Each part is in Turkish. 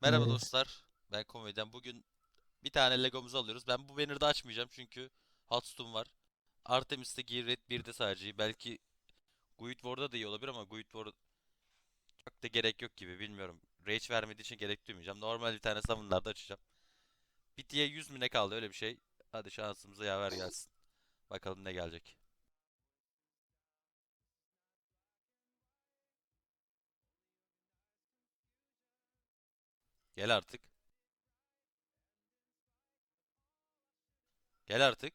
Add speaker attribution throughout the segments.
Speaker 1: Merhaba
Speaker 2: Evet.
Speaker 1: dostlar. Ben Komedyen. Bugün bir tane Legomuzu alıyoruz. Ben bu banner'da açmayacağım çünkü Hearthstone var. Artemis'te Gear Red 1'de sadece. Belki Guild War'da da iyi olabilir ama Guild War çok da gerek yok gibi bilmiyorum. Rage vermediği için gerek duymayacağım. Normal bir tane summon'larda açacağım. Bitiye 100 mi ne kaldı öyle bir şey. Hadi şansımıza yaver gelsin. Bakalım ne gelecek. Gel artık. Gel artık.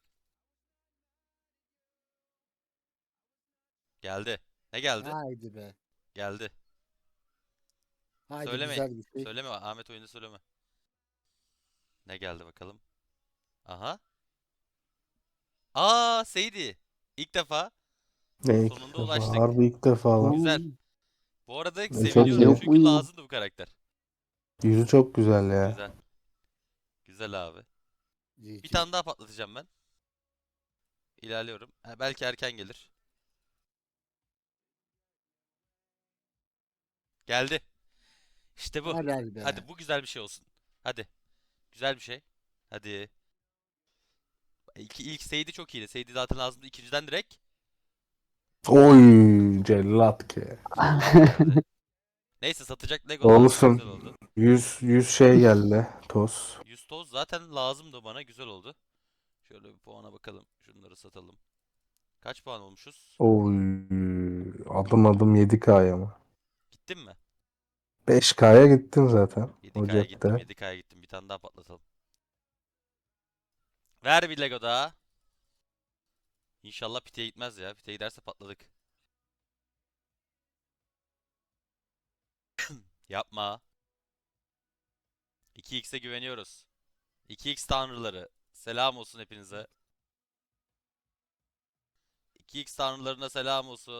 Speaker 1: Geldi. Ne geldi?
Speaker 2: Haydi be.
Speaker 1: Geldi.
Speaker 2: Haydi
Speaker 1: Söyleme.
Speaker 2: güzel bir şey.
Speaker 1: Söyleme Ahmet oyunda söyleme. Ne geldi bakalım. Aha. Seydi. İlk defa.
Speaker 3: Ne ilk
Speaker 1: Sonunda
Speaker 3: defa?
Speaker 1: ulaştık.
Speaker 3: Harbi ilk defa lan.
Speaker 1: Güzel.
Speaker 2: Oo,
Speaker 1: Bu arada
Speaker 3: Çok
Speaker 2: bende
Speaker 1: seviniyorum
Speaker 3: iyi.
Speaker 2: yok
Speaker 1: çünkü
Speaker 2: mu?
Speaker 1: lazımdı bu karakter.
Speaker 3: Yüzü çok güzel ya.
Speaker 1: Güzel. Güzel abi. Bir
Speaker 2: GG.
Speaker 1: tane daha patlatacağım ben. İlerliyorum. Ha, belki erken gelir. Geldi. İşte bu.
Speaker 2: Helal
Speaker 1: Hadi
Speaker 2: be.
Speaker 1: bu güzel bir şey olsun. Hadi. Güzel bir şey. Hadi. İlk Seydi çok iyiydi. Seydi zaten lazımdı. İkinciden direkt
Speaker 3: Oy cellat ki.
Speaker 1: cellat geldi. Neyse satacak Lego lazım.
Speaker 3: Olsun.
Speaker 1: Güzel oldu.
Speaker 3: 100 şey geldi. Toz.
Speaker 1: 100 toz zaten lazımdı bana. Güzel oldu. Şöyle bir puana bakalım. Şunları satalım. Kaç puan olmuşuz?
Speaker 3: Oy adım adım 7K'ya mı?
Speaker 1: Gittin mi?
Speaker 3: 5K'ya gittin zaten.
Speaker 1: 7K'ya gittim.
Speaker 3: Ocak'ta.
Speaker 1: 7K'ya gittim. Bir tane daha patlatalım. Ver bir Lego daha. İnşallah piteye gitmez ya. Piteye giderse patladık. Yapma. 2x'e güveniyoruz. 2x tanrıları. Selam olsun hepinize. 2x tanrılarına selam olsun.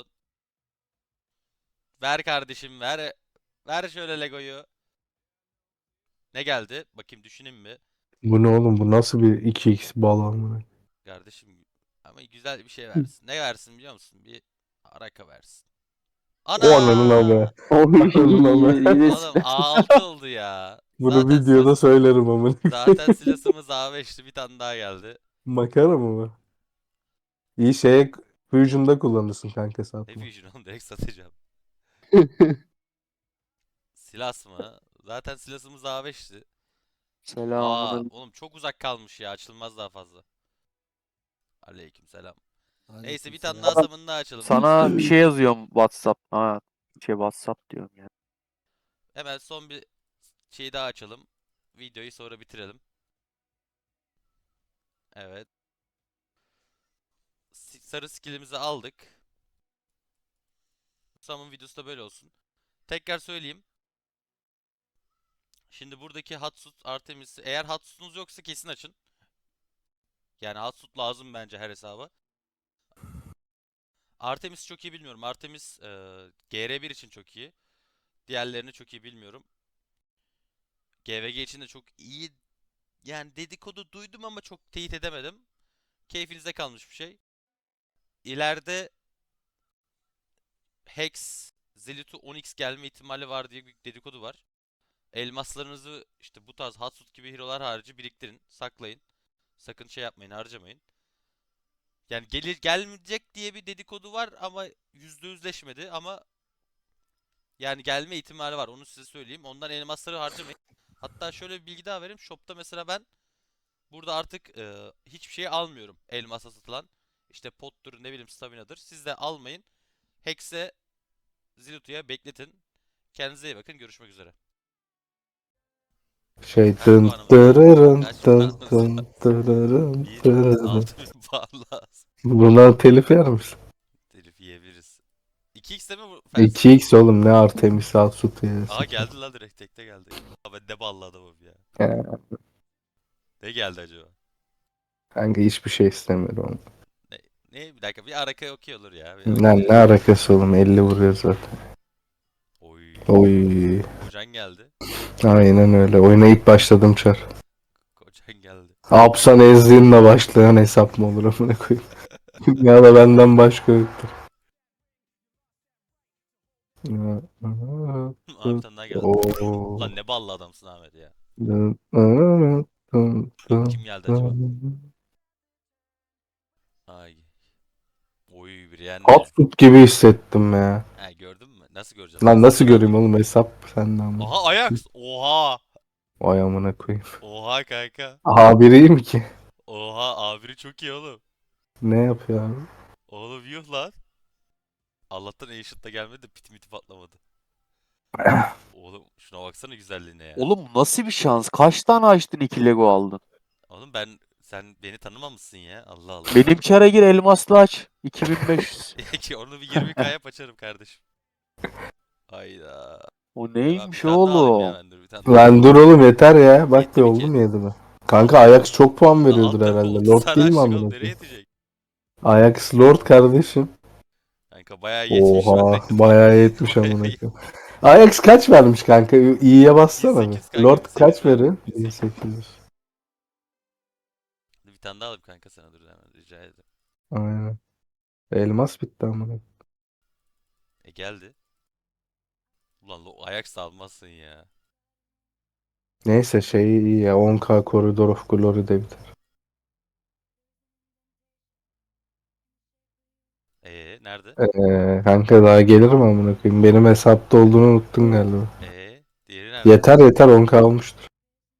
Speaker 1: Ver kardeşim ver. Ver şöyle Lego'yu. Ne geldi? Bakayım düşüneyim mi?
Speaker 3: Bu ne oğlum? Bu nasıl bir 2x balon?
Speaker 1: Kardeşim ama güzel bir şey versin. Ne versin biliyor musun? Bir araka versin.
Speaker 3: Onun
Speaker 1: Ana!
Speaker 3: ama.
Speaker 4: Oy
Speaker 3: Onun ama.
Speaker 4: yine
Speaker 1: Oğlum A6 oldu ya.
Speaker 3: Bunu
Speaker 1: Zaten
Speaker 3: videoda söylerim ama.
Speaker 1: zaten silahımız A5'ti. Bir tane daha geldi.
Speaker 3: Makara mı bu? İyi şeye Fusion'da kullanırsın kanka
Speaker 1: Ne
Speaker 3: satma.
Speaker 1: Fusion oğlum direkt satacağım. Silas mı? Zaten silahımız A5'ti.
Speaker 4: Selamun
Speaker 1: Oğlum çok uzak kalmış ya. Açılmaz daha fazla. Aleykümselam. Neyse bir tane daha
Speaker 2: Aleykümselam.
Speaker 1: summon daha açalım
Speaker 4: sana bir
Speaker 1: dostlar.
Speaker 4: şey yazıyorum WhatsApp. Ha, WhatsApp diyorum ya.
Speaker 1: Hemen son bir şey daha açalım. Videoyu sonra bitirelim. Evet. Sarı skillimizi aldık. Summon videosu da böyle olsun. Tekrar söyleyeyim. Şimdi buradaki Hatsut Artemis'i eğer Hatsut'unuz yoksa kesin açın. Yani Hatsut lazım bence her hesaba. Artemis çok iyi bilmiyorum. Artemis GR1 için çok iyi. Diğerlerini çok iyi bilmiyorum. GVG için de çok iyi. Yani dedikodu duydum ama çok teyit edemedim. Keyfinize kalmış bir şey. İleride Hex, Zelitu 10x gelme ihtimali var diye bir dedikodu var. Elmaslarınızı işte bu tarz Hatsut gibi hero'lar harici biriktirin, saklayın. Sakın şey yapmayın, harcamayın. Yani gelir gelmeyecek diye bir dedikodu var ama %100'leşmedi ama yani gelme ihtimali var. Onu size söyleyeyim. Ondan elmasları harcamayın. Hatta şöyle bir bilgi daha vereyim. Shop'ta mesela ben burada artık hiçbir şey almıyorum. Elmasa satılan. İşte pottur ne bileyim staminadır. Siz de almayın. Hex'e, Zilutu'ya bekletin. Kendinize iyi bakın. Görüşmek üzere.
Speaker 3: Şey
Speaker 1: Kaç
Speaker 3: dın
Speaker 1: puanımız var?
Speaker 3: dırırın
Speaker 1: Kaç
Speaker 3: dın
Speaker 1: puanımız var?
Speaker 3: dın dırırın
Speaker 1: Bir
Speaker 3: dırırın.
Speaker 1: 6000 puan lazım.
Speaker 3: Buna telif yer misin?
Speaker 1: Telif yiyebiliriz. 2x'te mi bu Fencer?
Speaker 3: 2x oğlum ne Artemis Atsut ya
Speaker 1: Aha
Speaker 3: saçma.
Speaker 1: geldi lan direkt tekte geldi. Abi ne ballı adamım ya.
Speaker 3: Ya,
Speaker 1: Ne geldi acaba?
Speaker 3: kanka hiçbir şey istemiyorum.
Speaker 1: Ne, ne bir dakika bir araka okey olur ya. Bir araka
Speaker 3: Ne
Speaker 1: verirsin.
Speaker 3: alakası oğlum 50 vuruyor zaten.
Speaker 1: Oy.
Speaker 3: Oy.
Speaker 1: Kocan geldi.
Speaker 3: Aynen öyle. Oynayıp başladım çar.
Speaker 1: Kocan geldi.
Speaker 3: Apsan ezdiğinle başlayan hesap mı olur amına koyayım. Ya da benden başka yoktur. Ya,
Speaker 1: Abi bir tane daha geldi.
Speaker 3: Oo.
Speaker 1: Lan ne ballı adamsın Ahmet ya. Kim geldi acaba? Ay. Oy bir yendi.
Speaker 3: Hotfoot gibi hissettim ya.
Speaker 1: Ha gördün mü? Nasıl göreceğiz?
Speaker 3: Lan nasıl
Speaker 1: Hesapları
Speaker 3: göreyim
Speaker 1: alayım.
Speaker 3: oğlum, hesap senden ama.
Speaker 1: Oha Ajax. Oha.
Speaker 3: Vay amına koyayım.
Speaker 1: Oha kanka.
Speaker 3: A1 iyi mi ki?
Speaker 1: Oha A1'i çok iyi oğlum.
Speaker 3: Ne yapıyor abi?
Speaker 1: Oğlum yuh lan. Allah'tan Ancient'da gelmedi de pit miti patlamadı. Oğlum şuna baksana güzelliğine ya.
Speaker 4: Oğlum nasıl bir şans? Kaç tane açtın 2 Lego aldın?
Speaker 1: Oğlum sen beni tanımamışsın ya. Allah Allah.
Speaker 4: Benim çara gir elmaslı aç. 2500.
Speaker 1: Ki onu bir 20k yap açarım kardeşim. Hayda.
Speaker 4: O
Speaker 1: Ben bir
Speaker 4: neymiş
Speaker 1: tane daha alayım ya
Speaker 4: oğlum?
Speaker 1: ben dur bir tane daha
Speaker 3: Lan
Speaker 1: alayım.
Speaker 3: dur oğlum yeter ya. Bak
Speaker 1: Yetti
Speaker 3: bir
Speaker 1: mi
Speaker 3: oldu
Speaker 1: ki?
Speaker 3: mu 7 mi? Kanka Ajax çok puan
Speaker 1: La
Speaker 3: veriyordur
Speaker 1: alt tarafı
Speaker 3: herhalde.
Speaker 1: 30
Speaker 3: Lord
Speaker 1: tane
Speaker 3: değil mi
Speaker 1: açtık
Speaker 3: amına
Speaker 1: oğlum nereye
Speaker 3: koyayım?
Speaker 1: yetecek?
Speaker 3: Ajax Lord kardeşim.
Speaker 1: Kanka bayağı yetmiş ben
Speaker 3: Oha
Speaker 1: de
Speaker 3: bayağı yetmiş amına
Speaker 1: bayağı
Speaker 3: koyayım. Ajax kaç vermiş kanka? İyiye bassana bir.
Speaker 1: 1800 kanka
Speaker 3: Lord
Speaker 1: 1800
Speaker 3: kaç
Speaker 1: verdim.
Speaker 3: verir?
Speaker 1: 1800.
Speaker 3: 1800.
Speaker 1: Bir tane daha alayım kanka sana dur hemen rica ederim.
Speaker 3: Aynen. Elmas bitti amına.
Speaker 1: Geldi. Ulan Ajax da almazsın ya.
Speaker 3: Neyse şey iyi ya, 10K Corridor of Glory de biter.
Speaker 1: Nerede?
Speaker 3: Kanka daha gelir mi amına koyayım? Benim hesapta olduğunu unuttun galiba.
Speaker 1: Diğeri nerede?
Speaker 3: Yeter yeter, 10K olmuştur.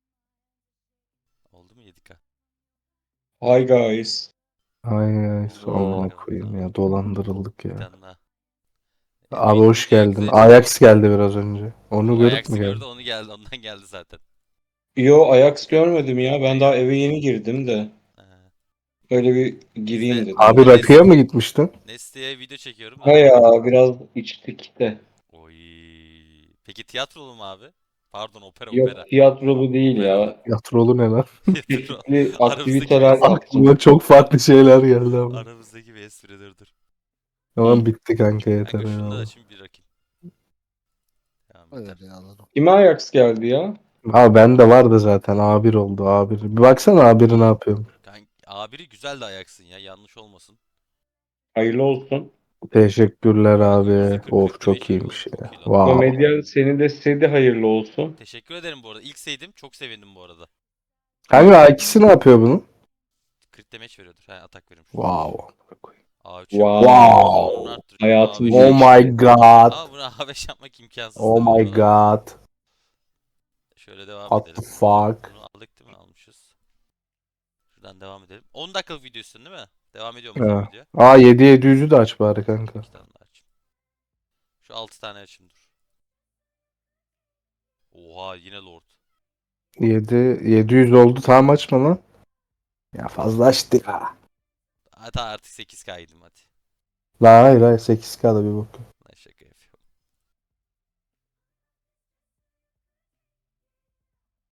Speaker 1: Oldu mu 7k?
Speaker 2: Hi guys.
Speaker 3: Ay ay
Speaker 4: Oo.
Speaker 3: amına
Speaker 1: Bakalım
Speaker 3: koyayım
Speaker 1: tamam.
Speaker 3: ya, dolandırıldık
Speaker 1: Bir
Speaker 3: ya.
Speaker 1: tane daha.
Speaker 3: Abi hoş
Speaker 1: Videoyu
Speaker 3: geldin.
Speaker 1: izledim.
Speaker 3: Ajax geldi biraz önce. Onu
Speaker 1: O
Speaker 3: görüp mü
Speaker 1: Ajax'ı gördü
Speaker 3: geldin?
Speaker 1: onu geldi ondan geldi zaten.
Speaker 2: Yo, Ajax görmedim ya. Ben daha eve yeni girdim de.
Speaker 1: Ee,
Speaker 2: Öyle bir
Speaker 1: Biz de
Speaker 2: gireyim dedim.
Speaker 3: Abi
Speaker 1: ben
Speaker 3: rakıya mı gitmiştin?
Speaker 1: Neste'ye video çekiyorum
Speaker 2: Ha
Speaker 1: da.
Speaker 2: ya, biraz içtik de.
Speaker 1: Oy. Peki tiyatrolu mu abi? Pardon opera opera.
Speaker 2: Yok, tiyatrolu değil
Speaker 1: Opera o.
Speaker 2: ya.
Speaker 3: Tiyatrolu ne lan?
Speaker 1: Tiyatro.
Speaker 2: Çeşitli
Speaker 1: Aramızdaki bir
Speaker 2: aktiviteler
Speaker 1: espri.
Speaker 2: yaptım.
Speaker 3: Aklıma çok farklı şeyler geldi ama.
Speaker 1: Aramızdaki bir espridir dur.
Speaker 3: Tamam bitti kanka, yeter
Speaker 1: Kanka şunu da
Speaker 3: eyvallah.
Speaker 1: açayım bir rakayım. Tamam
Speaker 5: Evet
Speaker 1: biter.
Speaker 5: ya, anladım.
Speaker 2: Kime Ajax geldi ya?
Speaker 3: Abi bende vardı zaten, A1 oldu A1. Bir baksana A1'i ne yapıyorum.
Speaker 1: Kanka A1'i güzel de ayaksın ya yanlış olmasın.
Speaker 2: Hayırlı olsun.
Speaker 3: Teşekkürler
Speaker 1: Kanka
Speaker 3: abi. Of
Speaker 1: %40-45
Speaker 3: çok
Speaker 1: iyi oğlum
Speaker 3: iyiymiş ya.
Speaker 1: çok iyi lan.
Speaker 3: Wow.
Speaker 2: Komedyen senin de size de hayırlı olsun.
Speaker 1: Teşekkür ederim bu arada. İlk saydım çok sevindim bu arada.
Speaker 3: Kanka A2'si ne yapıyor bunun?
Speaker 1: Crit damage veriyordur. He atak verim.
Speaker 3: Wow.
Speaker 1: A3
Speaker 2: Wow.
Speaker 1: yapıyor. Canını arttırıyor.
Speaker 2: Hayatım
Speaker 1: A5
Speaker 3: Oh
Speaker 2: değişti.
Speaker 3: my god.
Speaker 1: Ama bunu A5 yapmak imkansız
Speaker 3: Oh
Speaker 1: tabii
Speaker 3: my
Speaker 1: falan.
Speaker 3: god.
Speaker 1: Şöyle devam
Speaker 3: What the
Speaker 1: edelim.
Speaker 3: fuck?
Speaker 1: Bunu aldık değil mi? Almışız. Şuradan devam edelim. 10 dakikalık video istiyorsun değil mi? Devam ediyor mu o zaman
Speaker 3: Ha.
Speaker 1: video?
Speaker 3: Aa 7-700'ü de aç bari kanka.
Speaker 1: 2 tane daha açayım. Şu 6 tane açayım dur. Oha yine Lord.
Speaker 3: 700 oldu, tamam açma lan. Ya fazla açtı ya.
Speaker 1: Hatta artık 8K'ydım hadi.
Speaker 3: La hayır hayır, 8K'da bir bak.